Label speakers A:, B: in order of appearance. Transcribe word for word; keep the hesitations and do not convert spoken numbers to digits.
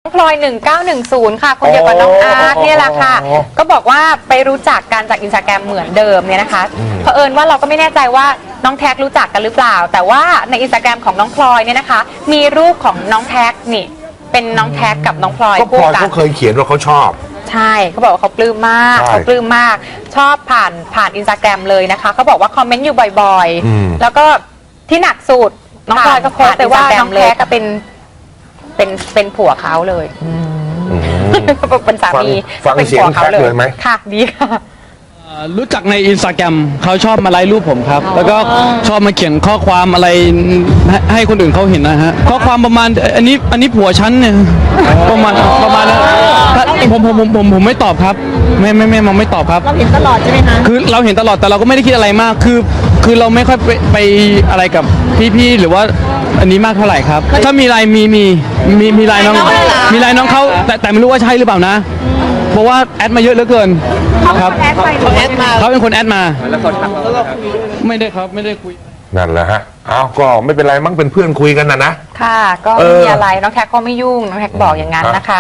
A: พลอยหนึ่งเก้าหนึ่งศูนย์ค่ะคนเดียวกับน้องอาร์ตเนี่ยแหละค่ะก็บอกว่าไปรู้จักกันจากอินสตาแกรมเหมือนเดิมเนี่ยนะคะเผอิญว่าเราก็ไม่แน่ใจว่าน้องแท็กรู้จักกันหรือเปล่าแต่ว่าในอินสตาแกรมของน้องพลอยเนี่ยนะคะมีรูปของน้องแท็กนี่เป็นน้องแท็กกับน้องพลอย
B: ก็พ
A: คู่
B: ลอย
A: กัน
B: เขาเคยเขียนว่าเขาชอบ
A: ใช่เขาบอกว่าเขาปลื้มมาก
B: ใช่
A: เขาปลื้มมากชอบผ่านผ่านอินสตาแกรมเลยนะคะเขาบอกว่าคอมเมนต์อยู่บ่อย
B: อืม
A: ๆแล้วก็ที่หนักสุดน้องพลอยก็โพสต์ไปว่าน้องแท็กก็เป็นเป็นเป็นผัวเขาเลย
B: อืม
A: เป็นสามี
B: ฟัง
A: เป็น
B: เสียง
A: ผัวเขา
B: แท็กเลยไหม
A: ค่ะดีค่ะ
C: รู้จักในอินสตาแกรมเขาชอบมาไลค์รูปผมครับ แล้วก็ชอบมาเขียนข้อความอะไรให้ให้คนอื่นเขาเห็นนะฮะข้อความประมาณอันนี้อันนี้ผัวฉันเนี่ยประมาณประมาณนั้นถ้าผมผมผมผมผมไม่ตอบครับ ไม่ไม่ไม่มองไม่ตอบครับ
D: เราเห็นตลอดใช่ไหมคะ
C: คือเราเห็นตลอดแต่เราก็ไม่ได้คิดอะไรมาก คือ คือเราไม่ค่อยไปไปอะไรกับพี่ๆหรือว่าอันนี้มากเท่าไหร่ครับ ถ้ามีไลน์มีมีมีมีไลน์น้องมีไลน์น้องเขาแต่แต่ไม่รู้ว่าใช่หรือเปล่านะ เพราะว่าแอดมาเยอะเหลือเกินครับ
D: แอดไปเขาแอดมา
C: เขาเป็นคนแอดมาแล้วเขาทักไม่ได้ครับไม่ได้คุย
B: นั่นแหละฮะเอาก็ไม่เป็นไรมั้งเป็นเพื่อนคุยกันนะนะ
A: ค่ะ ก็
B: เอ
A: ไม่
B: อ
A: มีอะไรน้องแท็กก็ไม่ยุ่งน้องแท็กบอกอย่างนั้นนะคะ